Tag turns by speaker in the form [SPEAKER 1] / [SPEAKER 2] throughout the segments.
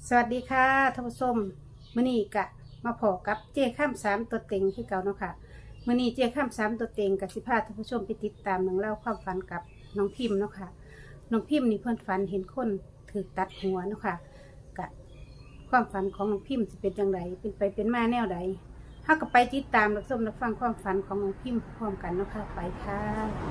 [SPEAKER 1] สวัสดีค่ะท่านผู้ชมมื้อนี้กะมาพอกับเจ้ข้ามสามตัวเต็งคือเก่าเนาะค่ะมื้อนี้เจ้ข้ามสามตัวเต็งกับสิพาท่านผู้ชมไปติดตามเรื่องเล่าวความฝันกับน้องพิมพ์เนาะค่ะน้องพิมพ์นี่เพื่อนฝันเห็นคนถูกตัดหัวเนาะค่ะกะความฝันของน้องพิมพ์จะเป็นอย่างไรเป็นไปเป็นมาแนวใดถ้าก็ไปติดตามรับชมรับฟังความฝันของน้องพิมพ์พร้อมกันเนาะค่ะไปค่ะ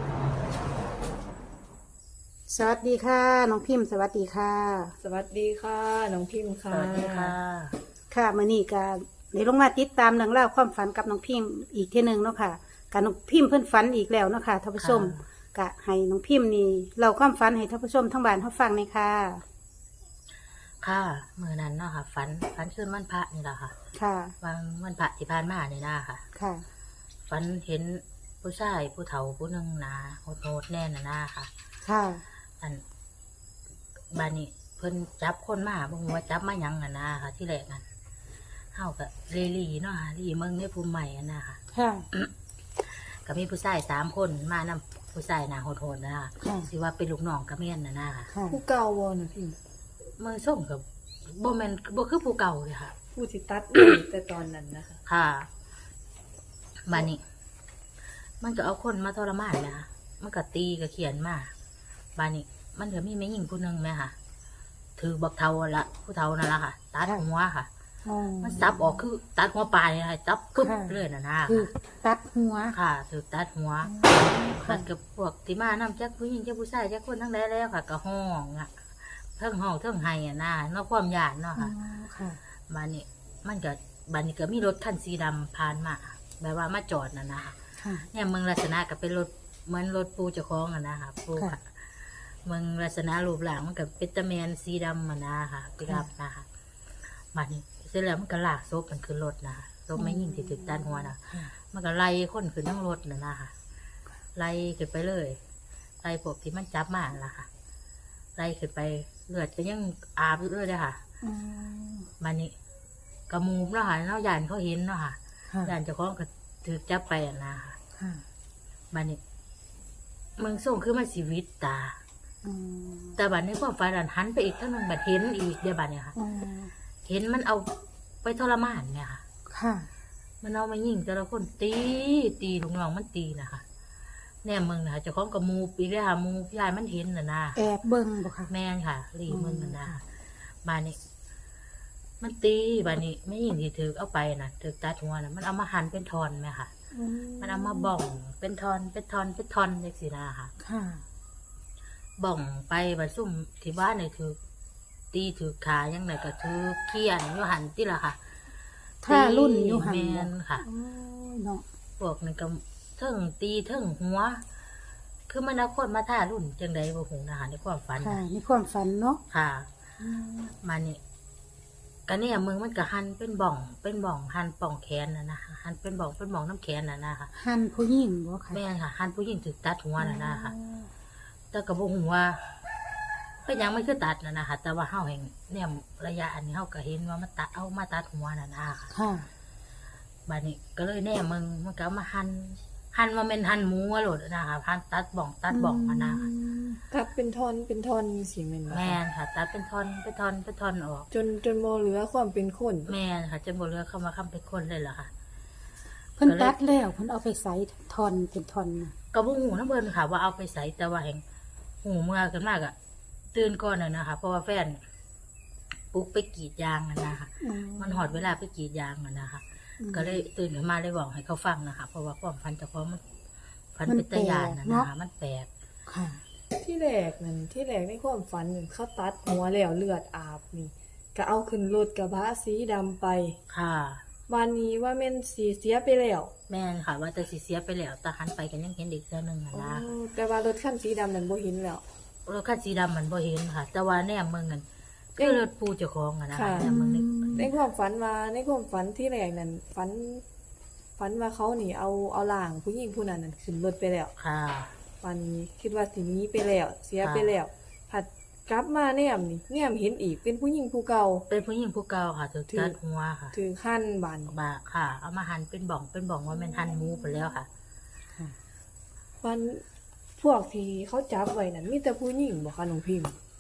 [SPEAKER 1] สวัสดีค่ะน้องพิมพ์สวัสดีค่ะ
[SPEAKER 2] สวัสดีค่ะน้องพิมพ์ค่ะ
[SPEAKER 3] สวัสดีค่ะ
[SPEAKER 1] ค่ะมื่อนี้ก็ได้ลงมาติดตามเรื่องเล่าวความฝันกับน้องพิมพ์อีกทีหนึ่งเนาะค่ะกับน้องพิมพ์เพิ่นฝันอีกแล้วเนาะค่ะท่านผู้ชมกะให้น้องพิมพ์นี่เราความฝันให้ท่านผู้ชมทั้งบ้านเขาฟังเลยค่ะ
[SPEAKER 3] ค่ะมือนั้นเนาะค่ะฝันขึ้นวันพระนี่แหละค่ะ
[SPEAKER 1] ค่ะ
[SPEAKER 3] วันพระที่ผ่านมานี่นะค่ะ
[SPEAKER 1] ค่ะ
[SPEAKER 3] ฝันเห็นผู้ชายผู้เฒ่าผู้หนึงนะโหดๆแน่น่ะนะค่ะ
[SPEAKER 1] ค่ะ
[SPEAKER 3] อันบ้านนี้เพิ่นจับคนมาบ่ฮู้ว่าจับมาหยังอ่ะนะค่ะ ที่แรกนั่นเฮาก็ลีเนาะค่ะลีเมืองในภูมิใหม่อ่ะนะค่ะ
[SPEAKER 1] ค่ะ
[SPEAKER 3] ก็มีผู้ชาย3คนมานำผู้ชายหน้าโหดๆนะค่ะ
[SPEAKER 1] ค่ะ
[SPEAKER 3] สิว่าเป็นลูกน้องกะแม่นน่ะนะค่ะ
[SPEAKER 1] ค่ะ
[SPEAKER 2] ผู้เก่าวอนะพิมพ์
[SPEAKER 3] มือส่งกับบ่แม่นบ่คือผู้เก่าเลยค่ะ
[SPEAKER 2] ผู้ที่ตัด แต่ตอนนั้นนะคะ
[SPEAKER 3] ค่ะบานนี้ มันก็เอาคนมาทรมานนะคะมันก็ตีก็เขียนมาบานนี้ มันก็มีแม่หญิงผู้หนึงไหมค่ะ ถือบักเทาละผู้เทานั่นละค่ะ ตัดหัวค่ะ
[SPEAKER 1] อ๋อ
[SPEAKER 3] มันซับออกคือ ตัดหัวปลายนะคะจับปึ๊บ
[SPEAKER 1] ค่ะ
[SPEAKER 3] เลยนะ
[SPEAKER 1] คือตัดหัว
[SPEAKER 3] ค่ะถือตัดหัว
[SPEAKER 1] ค่ะ
[SPEAKER 3] ตัดกับพวกที่มานำจักผู้หญิงจักผู้ชายจักคนทั้งใดแล้วค่ะ ก็ห้องอ่ะเทิงห้องเทิงไห้อ่ะนะนอกความหยาดเนาะ
[SPEAKER 1] อ๋อ
[SPEAKER 3] ค่ะ
[SPEAKER 1] ค่ะ
[SPEAKER 3] บานนี้มันก็บานนี้ก็มีรถคันสีดำผ่านมาแบบว่ามาจอดนะนะคะ
[SPEAKER 1] ค่ะ
[SPEAKER 3] เนี่ยเมืองลักษณะก็เป็นรถเหมือนรถปูเจ้าของอะนะคะปู
[SPEAKER 1] ค่ะ
[SPEAKER 3] ค่ะเมืองลักษณะรูปร่างมันก็เป็นตะแมนสีดำอะนะคะปิกับนะคะบานนี้เสร็จแล้วมันก็ลากศพมันขึ้นรถนะคะศพไม่ยิ่งที่ถึกด้านหัวนะ
[SPEAKER 1] ค่ะ
[SPEAKER 3] มันก็ไล่คนขึ้นทั้งรถนะนะคะไล่ขึ้นไปเลยไล่พวกที่มันจับมาล่ะค่ะไล่ขึ้นไปเลือดก็ยังอาบอยู่เลยเลยค่ะ
[SPEAKER 1] อ๋อ
[SPEAKER 3] มันนี่กระมูเนาะค่ะเนาะยานเขาเห็นเนาะค่ะ
[SPEAKER 1] ค่ะ
[SPEAKER 3] ยานเจ้าของก็ถือจับไปอะนะคะ
[SPEAKER 1] ค่ะ
[SPEAKER 3] มันนี่มึงส่งคือมันชีวิตตา
[SPEAKER 1] อ๋อ
[SPEAKER 3] แต่บัดในความฝันอันหันไปอีกเท่านึงบัดเห็นอีกเดี๋ยวบัดเนี่ยค่ะ
[SPEAKER 1] อ๋อ
[SPEAKER 3] เห็นมันเอาไปทรมานเนี่ยค่ะ
[SPEAKER 1] ค่ะ
[SPEAKER 3] มันเอามายิงแต่ละคนตีลูกน้องมันตีนะคะแน่มึงนะคะเจ้าของกับมูปีกเลยค่ะมูพี่ชายมันเห็นน่ะนะ
[SPEAKER 1] แอบเบิ่งบ่ค่ะ
[SPEAKER 3] แม่นค่ะรีมึงน่ะนะบานนี้ มันตีบานนี้ไม่ยิงที่ถือเอาไปน่ะถือตัดหัวน่ะมันเอามาหั่นเป็นทอนไหมค่ะ มันเอามาบ่องเป็นทอนเป็นทอนเป็นทอนเล็กสินะค่ะ
[SPEAKER 1] ค่ะ
[SPEAKER 3] บ่องไปบัดซุ่มที่บ้านเนี่ยถือตีถือขายังไงก็ถือเขี้ยนอยู่หันที่ละค่ะ
[SPEAKER 1] ถ้ารุ่นอยู่หัน
[SPEAKER 3] แม
[SPEAKER 1] บ่
[SPEAKER 3] นค่ะ
[SPEAKER 1] โอ้ยเนาะ
[SPEAKER 3] พวกนี่ก็เทิงตีเทิงหัว คือมันเอาคนมาท่ารุ่นจังใดบ่หูนะคะในความฝัน
[SPEAKER 1] ค่ะ
[SPEAKER 3] น่ะ
[SPEAKER 1] มีความฝันเนาะ
[SPEAKER 3] ค่ะมานี่ก็เนี่ยมึงมันก็หันเป็นบ่องหันป่องแขนน่ะนะคะหันเป็นบ่องน้ำแขนน่ะนะคะ
[SPEAKER 1] หันผู้หญิงบ่ค่ะ
[SPEAKER 3] แม่นค่ะหันผู้หญิงถือตัดหัวน่ะนะคะ แต่ก็บ่ฮู้ว่าเป็นหยังไม่คือตัดน่ะนะคะแต่ว่าเฮาแห่งเนี่ยระยะอันนี้เฮาก็เห็นว่ามันตัดเอามาตัดหัวน่ะนะคะ
[SPEAKER 1] ค่ะ
[SPEAKER 3] บัดนี้ก็เลยแน่มึงมันก็เอามาหั่นว่าแม่นหั่นหมูอะโลดนะคะหั่นตัดบ่องมานะคะ
[SPEAKER 2] ตัดเป็นท่อนสิแม่นบ่คะ
[SPEAKER 3] แม่นค่ะ ตัดเป็นท่อนออก
[SPEAKER 2] จนบ่เหลือความเป็นคน
[SPEAKER 3] แม่นค่ะจนบ่เหลือเข้ามาค้ำเป็นคนเลยล่ะค่ะ
[SPEAKER 1] เพิ่นตัดแล้วเพิ่นเอาไปใส่ทอนเป็นทอนน่ะ
[SPEAKER 3] ก็บ่ฮู้นำเพิ่นค่ะ ว่าเอาไปใส่แต่ว่าแห่งหูเมื่อกันมากอะตื่นก่อนน่ะนะคะเพราะว่าแฟนปลุกไปกรีดยางน่ะนะคะ มันหอดเวลาไปกรีดยางน่ะนะคะ ก็เลยตื่นขึ้นมาเลยบอกให้เขาฟังนะคะเพราะว่าความฝันเจ้าของมันฝันเป็นตะยานน่ะนะคะมันแปลก
[SPEAKER 1] ค่ะ
[SPEAKER 2] ที่แรกในความฝันนั่นเขาตัดหัวแล้วเลือดอาบนี่ก็เอาขึ้นรถกระบะสีดำไป
[SPEAKER 3] ค่ะ
[SPEAKER 2] วันนี้ว่าแม่นสีเสียไปแล้ว
[SPEAKER 3] แม่นค่ะ ว่าแต่สิเสียไปแล้วแต่หันไปกันยังเห็นอีกเทื่อนึงอะนะ
[SPEAKER 2] แต่ว่ารถคันสีดำนั้นบ่เห็นแล้ว
[SPEAKER 3] รถคันสีดำมันบ่เห็นค่ะ แต่ว่าแนมมึงนั่นคือรถปูเจ้าของอะนะคะ
[SPEAKER 2] ค่ะ
[SPEAKER 3] แนมมึงนี่
[SPEAKER 2] ในความฝันที่แรกนั้นฝันว่าเขานี่เอาล่างผู้หญิงผู้นั้นนั่นขึ้นรถไปแล้ว
[SPEAKER 3] ค่ะ
[SPEAKER 2] วันนี้คิดว่าสิหนี้ไปแล้ว เสียไปแล้วผัดกลับมาแนมเห็นอีกเป็นผู้หญิงผู้เก่า
[SPEAKER 3] เป็นผู้หญิงผู้เก่าค่ะถือตัดหัวค่ะ
[SPEAKER 2] ถือขั้นบัน
[SPEAKER 3] บาค่ะ เอามาหั่นเป็นบ่องว่าแม่นหั่นหมูไปแล้วค่ะ
[SPEAKER 1] ค่ะ
[SPEAKER 2] วันพวกที่เขาจับไว้นั่นมีแต่ผู้หญิงบ่คะน้องพิมพ์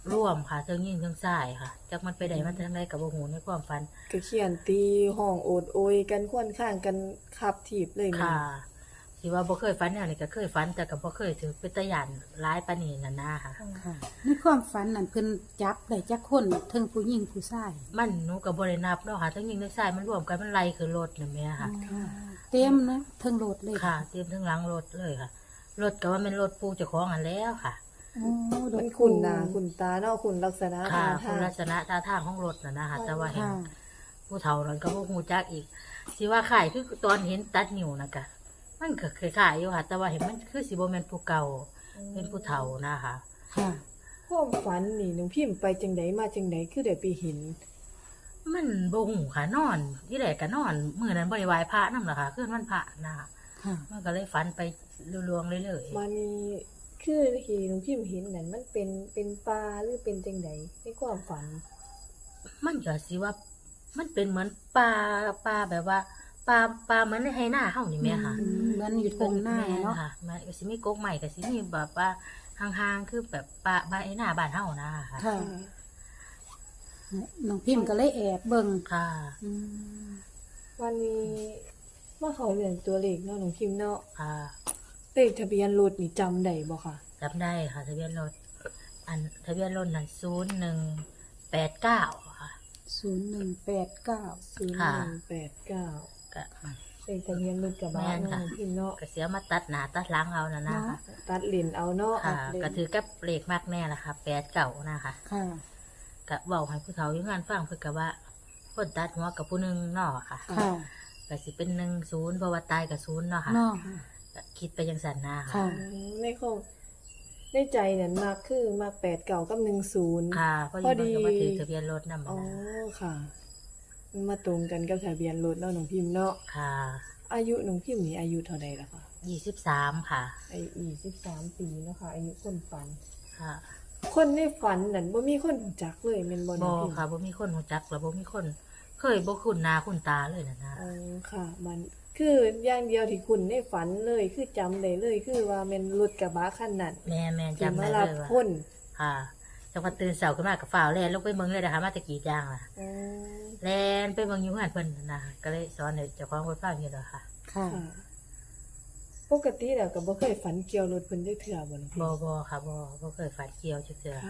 [SPEAKER 3] ร่วมค่ะเทิงยิงเทิงซ้ายค่ะจักมันไปได้มันทางใดก็บ่ฮู้ในความฝัน
[SPEAKER 2] ก็เขียนตีห้องโอดโอยกันค่อนข้างกันขับถีบเลยแม่
[SPEAKER 3] ค่ะที่ว่าบ่เคยฝันแนวนี้ก็เคยฝันแต่ก็บ่เคยถือเป็นตาย่านร้ายปานนี้นั่นนะค่ะ
[SPEAKER 1] ค่ะในความฝันนั่นเพิ่นจับได้จักคนเทั้งผู้หญิงผู้ชาย
[SPEAKER 3] มันหนูก็บ่ได้นับเนาะค่ะทั้งยิงทั้งซ้ายมันรวมกันมันไล่คือรถนั่นแหม่ค่ะ
[SPEAKER 1] ค่ะเต็มนะเทั้งโหลดเลย
[SPEAKER 3] ค่ะเตรียมทั้งหลังรถเลยค่ะรถก็ว่าเป็นรถปูเจ้าของอันแล้วค่ะ
[SPEAKER 1] โอ้โห
[SPEAKER 2] มันขุ่นหน้าขุ่นตาเนาะขุ่นลักษณะ
[SPEAKER 3] ค่ะ
[SPEAKER 2] ท่า
[SPEAKER 3] คุ
[SPEAKER 2] ทา
[SPEAKER 3] ณ
[SPEAKER 2] ง
[SPEAKER 3] ลักษณะท่าทางของรถน่ะนะคะแต่ว่าเห็น
[SPEAKER 1] ค่ะ
[SPEAKER 3] ผู้เฒ่านั้นก็บ่ฮู้จักอีกสิว่าขายคือตอนเห็นตัดนิ้วนะกะมันก็คล้ายๆอยู่ค่ะ แต่ว่าเห็นมันคือสิบ่แม่นผู้เก่าเป็นผู้เฒ่านะคะ
[SPEAKER 1] ค่ะ
[SPEAKER 2] ความฝันนี่น้องพิมพ์ไปจังไดมาจังไดคือได้ไปเห็น
[SPEAKER 3] มันบ่ฮู้ค่ะนอนที่แรกก็นอนมื้อนั้นบ่ได้ไหว้พระนำล่ะค่ะคืนวันพระนะคะ
[SPEAKER 1] ค่ะ
[SPEAKER 3] มันก็เลยฝันไปลวงๆเรื่อย
[SPEAKER 2] มานี่คือที่น้องพิมพ์เห็นนั่นมันเป็นปลาหรือเป็นจังไดในความฝัน
[SPEAKER 3] ๆมันก็สิว่ามันเป็นเหมือนปลาแบบว่าปลาเหมือนในไหหน้าเฮานี่แหม่ค่ะ
[SPEAKER 1] เหมือนอยู่ตรงหน้าเนาะ
[SPEAKER 3] ค่ะมันก็สิมีกกใหม่ก็สิมีแบบว่าห่างๆคือแบบปลาไหหน้าบ้านเฮานะคะ
[SPEAKER 1] ค่ะน้องพิมพ์ก็เลยแอบเบิ่ง
[SPEAKER 3] ค่ะ
[SPEAKER 1] อืม
[SPEAKER 2] วันนี้มาเขาเรื่องตัวเลขเนาะน้องพิมพ์เนาะ
[SPEAKER 3] ค่ะ
[SPEAKER 2] เลขทะเบียนรถนี่จำได้บ่ค่ะ
[SPEAKER 3] จำได้ค่ะทะเบียนรถทะเบียนรถนั่น0189ค่ะ
[SPEAKER 1] 0189
[SPEAKER 3] ค่ะ
[SPEAKER 2] 0189
[SPEAKER 3] ก็
[SPEAKER 2] เลขทะเบียนรถกระบะ
[SPEAKER 3] แม่น
[SPEAKER 2] เนาะ
[SPEAKER 3] ค่ะ
[SPEAKER 2] น้องพิมพ์เนาะ
[SPEAKER 3] ก็เสียมาตัดหน้าตัดหลังเอานั่นนะคะ
[SPEAKER 2] ตัดเลนเอาเนาะ
[SPEAKER 3] ค่ะ
[SPEAKER 2] เลน
[SPEAKER 3] ก็ถือกับเลขมากแน่ละค่ะ89นะคะ
[SPEAKER 1] ค่ะ
[SPEAKER 3] ก็เว้าให้ผู้เฒ่าอยู่งานฟังเพิ่นก็ว่าคนตัดหัวกับผู้หนึงเนาะค่ะ
[SPEAKER 1] ค่ะ
[SPEAKER 3] ก็สิเป็น10เพราะว่าตายกับ0เนาะค่ะ
[SPEAKER 1] เนาะ
[SPEAKER 3] ก็คิดไปจังซั่นนะ
[SPEAKER 1] ค่ะ
[SPEAKER 2] ในข้อในใจนั่นมักคือมัก89กับ10
[SPEAKER 3] ค่ะพอดีมันก็มาถือทะเบียนรถนำ
[SPEAKER 2] อ๋อ
[SPEAKER 3] นะ
[SPEAKER 2] ค่ะมันมาตรงกันกับทะเบียนรถเนาะน้องพิมพ์เนาะ
[SPEAKER 3] ค่ะ
[SPEAKER 2] อายุน้องพิมพ์นี่อายุเท่าใดล่ะคะ
[SPEAKER 3] 23ค่ะ
[SPEAKER 2] อายุ23ปีเนาะค่ะอายุคนฝัน
[SPEAKER 3] ค่ะ
[SPEAKER 2] คนในฝันนั่นบ่มีคนรู้จักเลยแม่นบ่น้
[SPEAKER 3] บ่
[SPEAKER 2] องพิมพ์
[SPEAKER 3] ค่ะบ่มีคนรู้จักแล้วบ่มีคน เคยบ่คุ้นหน้าคุ้นตาเลยนะ
[SPEAKER 2] อ๋อค่ะ มันคืออย่างเดียวที่คุณในฝันเลยคือจำได้เลยคือว่าแม่นรถกระบะคันนั้น
[SPEAKER 3] แม่
[SPEAKER 2] ที่
[SPEAKER 3] จำ
[SPEAKER 2] มา
[SPEAKER 3] ได้
[SPEAKER 2] รั
[SPEAKER 3] เล
[SPEAKER 2] บ
[SPEAKER 3] ยว่า
[SPEAKER 2] คน
[SPEAKER 3] ค่ะจังหวัดตื่นเช้าขึ้นมาก็ฟ้าวแล่นลงไปเมืองเลยนะคะมาแตะกี้ย่างล่ะ
[SPEAKER 2] อ๋อ
[SPEAKER 3] แล่นไปเมืองอยู่เฮือนเพิ่นนะก็เลยสอนให้เจ้าของรถฟังอยู่ดอกค่ะ
[SPEAKER 1] ค่ะ
[SPEAKER 2] ค่ะปกติแล้วก็บ่เคยฝันเกี่ยวรถเพิ่นจักเทื่อบ่น้องพิม
[SPEAKER 3] บ่
[SPEAKER 2] พ์
[SPEAKER 3] บ่ค่ะบ่เคยฝันเกี่ยวจักเทื่อ
[SPEAKER 2] ค่ะ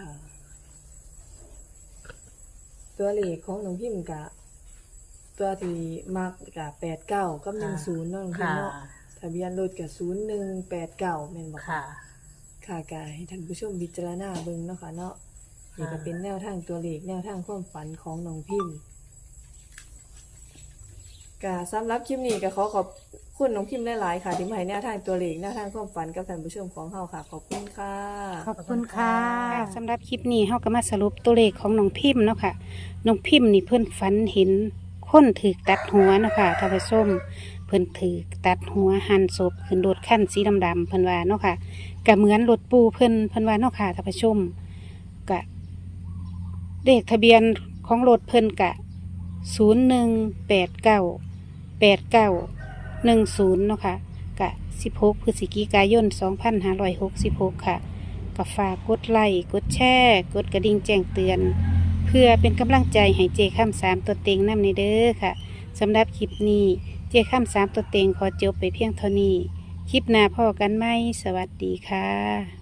[SPEAKER 2] ตัวเลขของน้องพิมพ์กะตัวที่มักกะ89กับ10เนาะน้องพิม
[SPEAKER 3] ค่ะ
[SPEAKER 2] พ์เนาะทะเบียนรถกะ0189แม่นบ่
[SPEAKER 3] ค่ะ
[SPEAKER 2] ค่ะกะให้ท่านผู้ชมพิจารณาเบิ่งเนาะค่ะเนาะนี่ก็เป็นแนวทางตัวเลขแนวทางความฝันของน้องพิมพ์กะสำหรับคลิปนี้ก็ขอบคุณน้องพิมพ์หลายๆค่ะที่มาให้แนวทางตัวเลขแนวทางความฝันกับท่านผู้ชมของเฮาค่ะ ขอบคุณค่ะ
[SPEAKER 1] ขอบคุณค่ะสำหรับคลิปนี้เฮาก็มาสรุปตัวเลขของน้องพิมพ์เนาะค่ะน้องพิมพ์นี่เพิ่นฝันเห็นคนถูกตัดหัวเนาะค่ะท่านผู้ชมเพิ่นถูกตัดหัวหั่นศพขึ้นรถคันสีดำๆเพิ่นว่าเนาะค่ะก็เหมือนรถปูเพิ่นว่าเนาะค่ะท่านผู้ชมก็เลขทะเบียนของรถเพิ่นกะ0189 8910เนาะค่ะกะ16พฤศจิกายน2566ค่ะก็ฝากกดไลค์กดแชร์กดกระดิ่งแจ้งเตือน เพื่อเป็นกำลังใจให้เจข้าม3ตัวเต็งนำในเด้อค่ะสำหรับคลิปนี้เจข้าม3ตัวเต็งขอจบไปเพียงเท่านี้คลิปหน้าพ่อกันไหมสวัสดีค่ะ